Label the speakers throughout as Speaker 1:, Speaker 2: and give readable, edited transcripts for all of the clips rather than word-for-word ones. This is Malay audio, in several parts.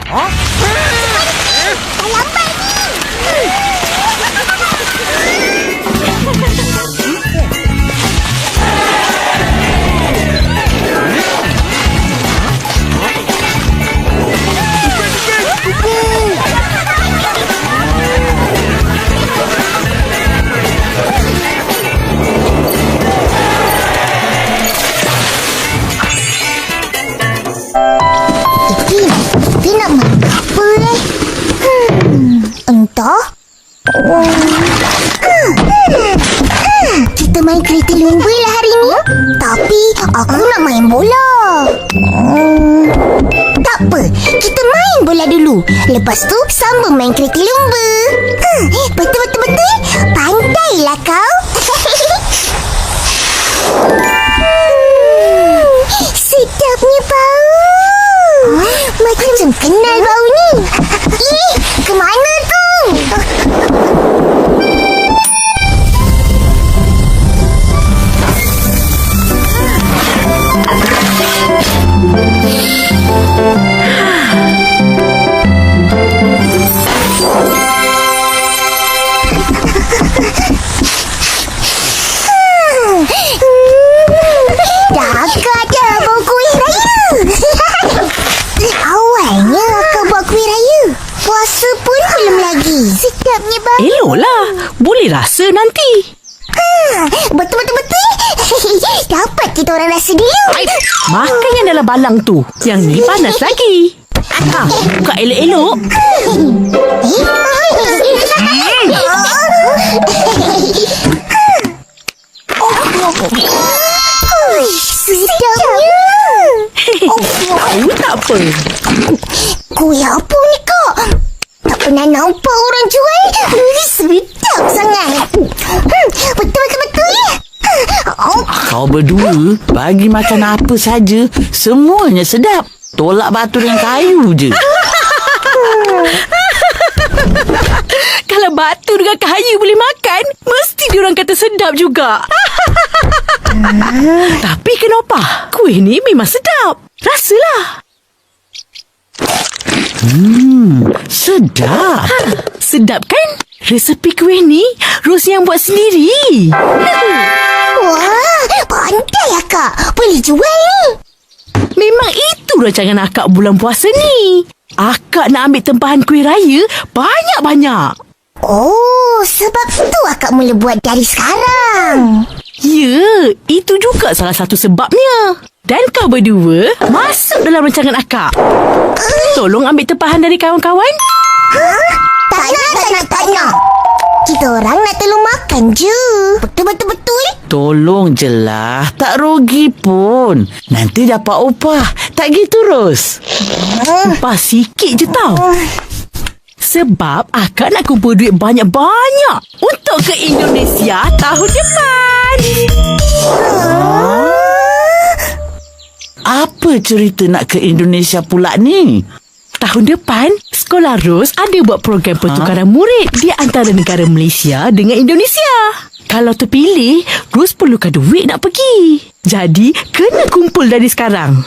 Speaker 1: lambat ni. Kita nak makan apa entah. Kita main kereta lumba lah hari ni. Tapi aku nak main bola. Tak apa, kita main bola dulu. Lepas tu sambung main kereta lumba. Betul. Pandailah kau. Sedapnya bau. Macam kenal bau ni. Kemana tu? Dah bau kuih raya. Awalnya akak buat kuih raya. Puasa pun belum lagi. Sedapnya bau.
Speaker 2: Eloklah. Boleh rasa nanti.
Speaker 1: Betul. Dapat kita orang rasa dulu.
Speaker 2: Makan yang dalam balang tu. Yang ni panas lagi. Buka elok-elok.
Speaker 1: Sedapnya.
Speaker 2: Tahu tak apa.
Speaker 1: Kuih apa ni kak? Tak pernah nampak orang jual. Sedap sangat. Betul.
Speaker 3: Kau berdua bagi makan apa saja, semuanya sedap. Tolak batu dengan kayu je.
Speaker 2: Kalau batu dengan kayu boleh makan, mesti diorang kata sedap juga. Tapi kenapa? Kuih ni memang sedap. Rasalah.
Speaker 3: Sedap.
Speaker 2: Sedap kan? Resepi kuih ni Ros yang buat sendiri.
Speaker 1: Wah, pandai akak. Boleh jual ni.
Speaker 2: Memang itu rancangan akak bulan puasa ni. Akak nak ambil tempahan kuih raya banyak-banyak.
Speaker 1: Oh, sebab tu akak mula buat dari sekarang.
Speaker 2: Ya, itu juga salah satu sebabnya. Dan kau berdua masuk dalam rancangan akak. Tolong ambil tempahan dari kawan-kawan.
Speaker 1: Tak nak. Kita orang nak tolong makan je. Betul.
Speaker 3: Tolong je lah. Tak rugi pun. Nanti dapat upah. Tak gitu, Ros?
Speaker 2: Upah sikit je tau. Sebab akak nak kumpul duit banyak-banyak untuk ke Indonesia tahun depan.
Speaker 3: Apa cerita nak ke Indonesia pula ni?
Speaker 2: Tahun depan, Sekolah Ros ada buat program pertukaran murid di antara negara Malaysia dengan Indonesia. Kalau terpilih, Ros perlukan duit nak pergi. Jadi, kena kumpul dari sekarang.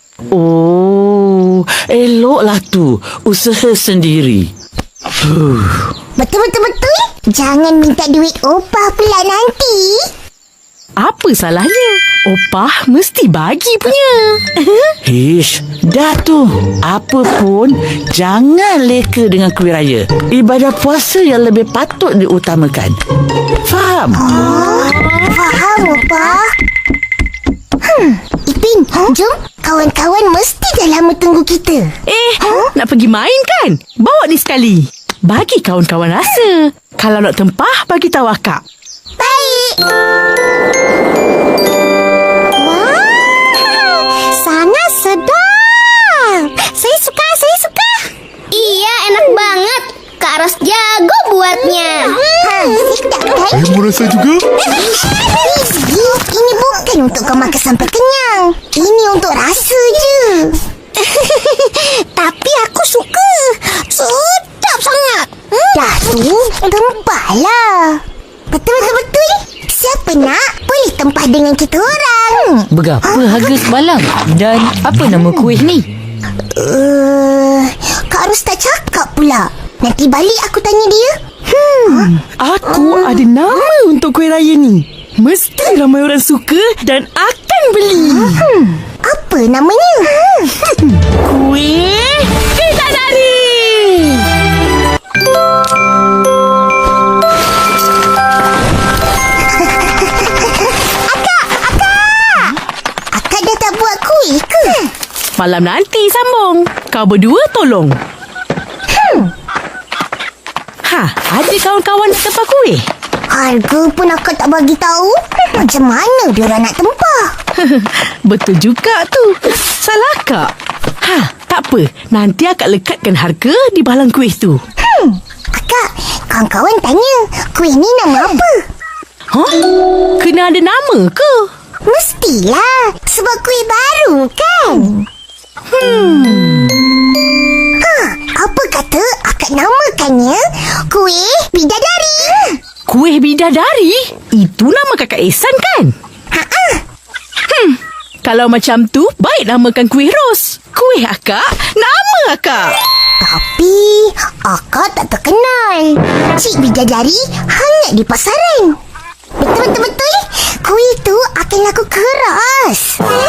Speaker 3: Oh, eloklah tu. Usaha sendiri.
Speaker 1: Betul. Jangan minta duit opah pula nanti.
Speaker 2: Apa salahnya? Opah mesti bagi punya.
Speaker 3: Ish, dah tu. Apa pun, jangan leka dengan kuih raya. Ibadah puasa yang lebih patut diutamakan. Faham?
Speaker 1: Faham, opah. Ipin, jom. Kawan-kawan mesti dah lama tunggu kita.
Speaker 2: Nak pergi main kan? Bawa ni sekali. Bagi kawan-kawan rasa. Kalau nak tempah, bagi tahu akak.
Speaker 1: Baik. Wah, sangat sedap. Saya suka.
Speaker 4: Iya, enak banget. Kak Ros jago buatnya.
Speaker 1: Sedap kan?
Speaker 5: Saya mau rasa juga.
Speaker 1: Ini bukan untuk kau makan sampai kenyang. Ini untuk rasa je. Tapi aku suka. Sedap sangat. Dah tu, tempahlah. Betul. Siapa nak, boleh tempah dengan kita orang.
Speaker 6: Berapa harga sebalang? Dan apa nama kuih ni?
Speaker 1: Kak Abang start cakap pula. Nanti balik aku tanya dia.
Speaker 2: Aku ada nama untuk kuih raya ni. Mesti ramai orang suka dan akan beli.
Speaker 1: Apa namanya?
Speaker 2: Kuih Bidadari.
Speaker 1: Akak dah tak buat kuih ke?
Speaker 2: Malam nanti sambung. Kau berdua tolong. Ada kawan-kawan tempah kuih?
Speaker 1: Harga pun akak tak bagi tahu. Macam mana diorang nak tempah?
Speaker 2: Betul juga tu. Salah kak. Tak apa. Nanti akak lekatkan harga di balang kuih tu.
Speaker 1: Akak, kawan-kawan tanya, kuih ni nama apa?
Speaker 2: Kena ada nama ke?
Speaker 1: Mestilah, sebab kuih baru kan? Apa kata akak namakannya kuih bidadari?
Speaker 2: Kuih Bidadari? Itu nama kakak Ehsan kan? Kalau macam tu, baik namakan kuih Ros. Kuih akak, nama akak.
Speaker 1: Tapi akak tak terkenal. Cik Bidadari hanya di pasaran. Betul-betul kuih tu akan laku keras.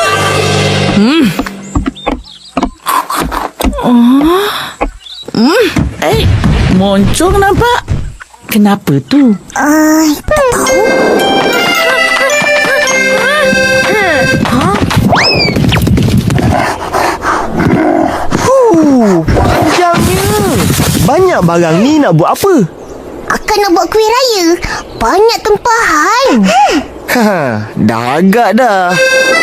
Speaker 3: Moncong nampak. Kenapa tu?
Speaker 1: Tak tahu.
Speaker 5: Panjangnya. Banyak barang ni nak buat apa?
Speaker 1: Akak nak buat kuih raya. Banyak tempahan.
Speaker 5: Dah agak dah.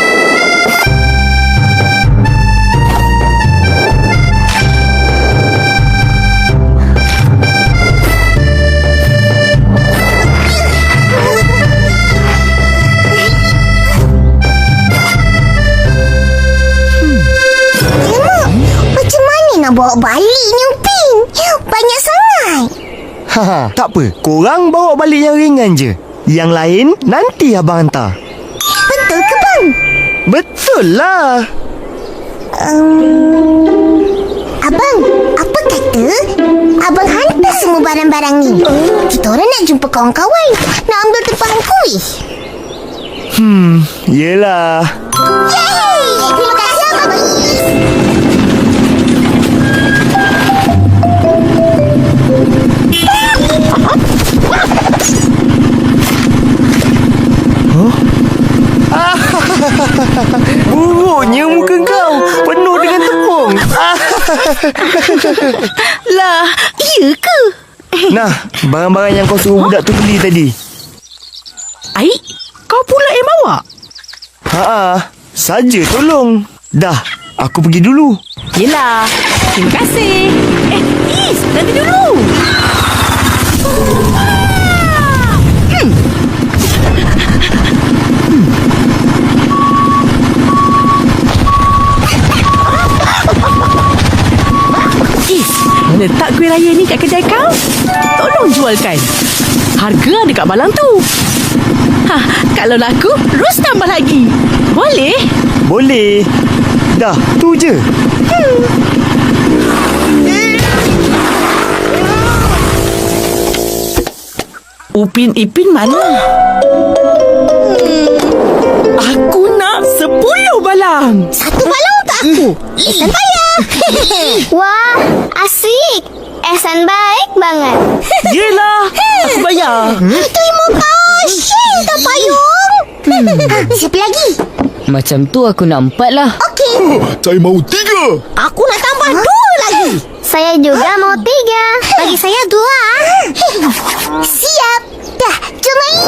Speaker 1: Macam mana nak bawa balik ni Upin? Banyak sangat.
Speaker 5: Tak apa. Korang bawa balik yang ringan je. Yang lain nanti abang hantar.
Speaker 1: Betul ke bang?
Speaker 5: Betul lah.
Speaker 1: Abang, apa kata abang hantar semua barang-barang ni? Kita orang nak jumpa kawan-kawan. Nak ambil tempahan kuih.
Speaker 5: Yelah.
Speaker 1: Yeay! Terima kasih abang.
Speaker 5: Buruknya muka kau. Penuh dengan tepung.
Speaker 2: Lah, iya ke?
Speaker 5: Nah, barang-barang yang kau suruh budak tu beli tadi.
Speaker 2: Aik, kau pula yang bawa?
Speaker 5: Saja tolong. Dah, aku pergi dulu.
Speaker 2: Yelah, terima kasih. Is, nanti dulu. Is, letak kuih raya ni kat kedai kau? Tolong jualkan. Harga ada kat balang tu. Kalau laku, Ros tambah lagi. Boleh?
Speaker 5: Boleh. Dah, tu je.
Speaker 3: Upin Ipin mana?
Speaker 2: Aku nak 10 balang.
Speaker 1: Satu balang untuk aku. Ehsan bayar.
Speaker 4: Wah, asik. Ehsan baik banget.
Speaker 2: Yelah, aku bayar.
Speaker 1: Terima kasih, tak payung. Siapa lagi?
Speaker 6: Macam tu aku nak 4 lah.
Speaker 1: Okey.
Speaker 5: Saya mau 3.
Speaker 1: Aku nak tambah 2 lagi.
Speaker 4: Saya juga mau 3. Bagi saya 2.
Speaker 1: Siap. Dah, jom main.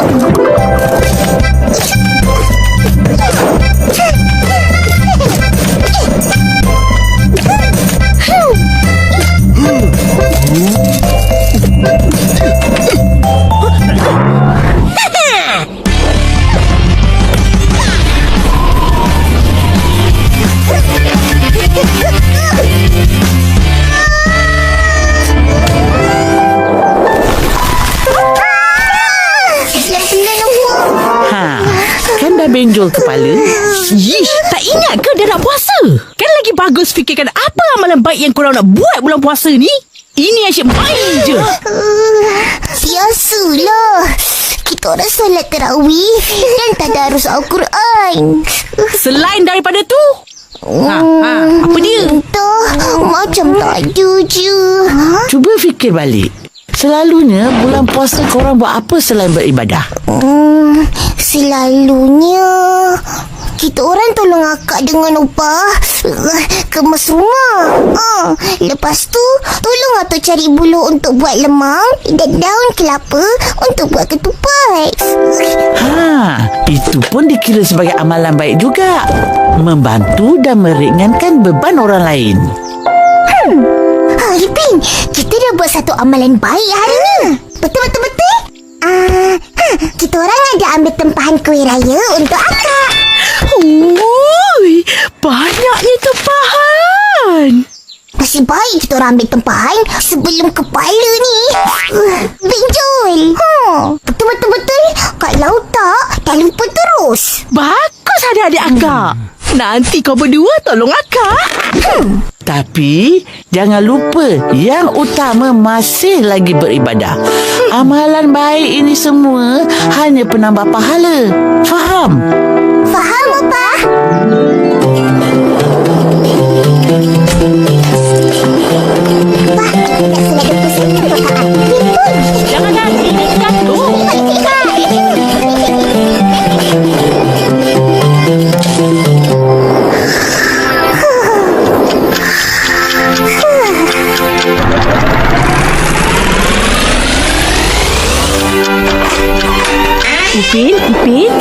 Speaker 3: Kan dah benjol kepala.
Speaker 2: Yish, tak ingat ke dia nak puasa? Kan lagi bagus fikirkan apa amalan baik yang korang nak buat bulan puasa ni. Ini asyik main je.
Speaker 1: Biasalah. Kita orang solat tarawih dan tadarus Al-Quran.
Speaker 2: Selain daripada tu, apa dia?
Speaker 1: Entah, macam tak ada je.
Speaker 3: Cuba fikir balik. Selalunya bulan puasa korang buat apa selain beribadah?
Speaker 1: Selalunya kita orang tolong akak dengan upah kemas rumah. Lepas tu tolong atuk cari buluh untuk buat lemang dan daun kelapa untuk buat ketupat.
Speaker 3: Itu pun dikira sebagai amalan baik juga. Membantu dan meringankan beban orang lain.
Speaker 1: Ipin, kita dah buat satu amalan baik hari ni. Betul? Kita orang ada ambil tempahan kuih raya untuk akak.
Speaker 2: Ui, banyaknya tempahan.
Speaker 1: Nasib baik kita orang ambil tempahan sebelum kepala ni benjol. Betul. Kalau tak, dah lupa terus.
Speaker 2: Bagus adik-adik akak. Nanti kau berdua tolong akak.
Speaker 3: Tapi jangan lupa yang utama masih lagi beribadah. Amalan baik ini semua hanya penambah pahala. Faham?
Speaker 1: Faham, Opah? Opah, nak selada pusing untuk Kak Ipin pun.
Speaker 2: Jangan nanti jatuh. Ipin.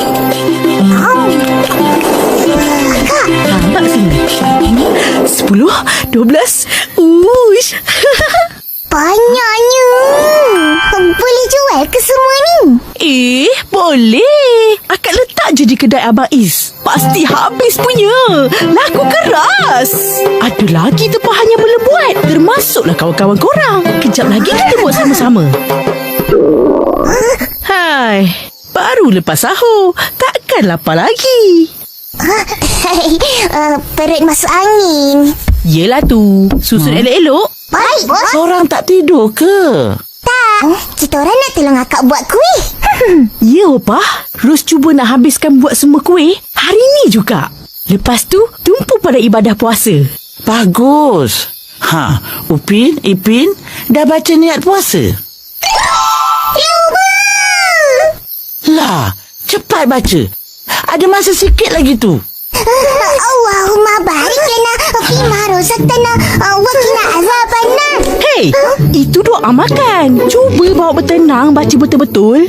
Speaker 2: Nampak sini. 10, 12. Uish.
Speaker 1: Banyaknya. Boleh jual ke semua ni?
Speaker 2: Boleh. Akak letak je di kedai Abang Is. Pasti habis punya. Laku keras. Ada lagi tempahan yang belum buat. Termasuklah kawan-kawan korang. Kejap lagi kita buat sama-sama. Hai. Baru lepas sahur. Takkan lapar lagi.
Speaker 1: Perut masuk angin.
Speaker 2: Yelah tu. Susun elok-elok.
Speaker 1: Baik, bos.
Speaker 3: Korang tak tidur ke?
Speaker 1: Tak. Kita orang nak tolong akak buat kuih.
Speaker 2: Ya, Opah. Ros cuba nak habiskan buat semua kuih hari ni juga. Lepas tu, tumpu pada ibadah puasa.
Speaker 3: Bagus. Upin, Ipin, dah baca niat puasa? Lah, cepat baca. Ada masa sikit lagi tu.
Speaker 1: Allahumma barik lana fima razaqtana wa qina azabannar.
Speaker 2: Hei, itu doa makan. Cuba bawa bertenang, baca betul-betul.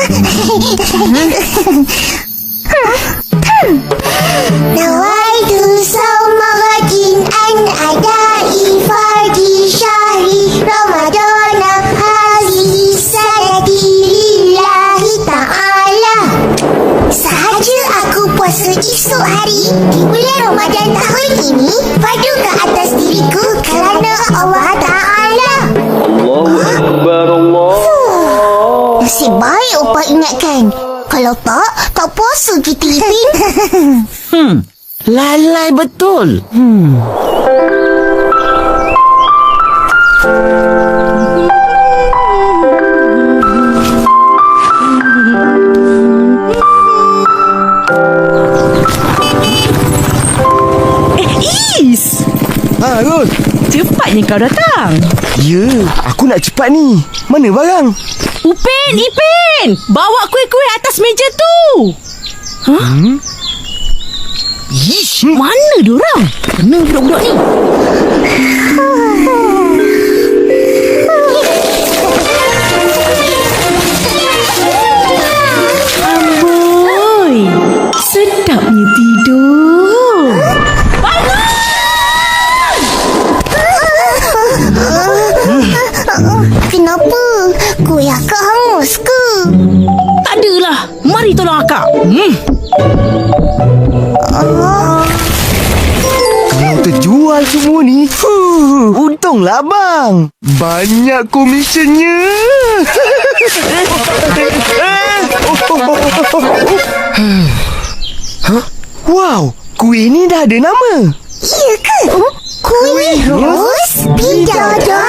Speaker 1: Nawaitu sawma ghadin an adai fardi syahri ramadana hazihi sanati lillahi ta'ala. Sahaja aku puasa esok hari di bulan Ramadan tahun ini, fardu ke atas diriku kerana Allah Ta'ala.
Speaker 7: Allahu Akbar, Allah.
Speaker 1: Nasib baik Opah ingatkan. Kalau tak puasa kita, Ipin.
Speaker 3: Lalai betul.
Speaker 2: Is!
Speaker 5: Ros.
Speaker 2: Cepatnya kau datang.
Speaker 5: Ya, aku nak cepat ni. Mana barang?
Speaker 2: Ipin! Bawa kuih-kuih atas meja tu. Ish, mana diorang? Kena budak-budak ni. Amboi, sedapnya tidur.
Speaker 1: Kenapa? Kuih akak hangus ke?
Speaker 2: Tak adalah. Mari tolong akak.
Speaker 5: Kalau terjual semua ni, untunglah bang. Banyak komisionnya. Wow, kuih ni dah ada nama.
Speaker 1: Iya ke? Kuih Ros? Bidadari?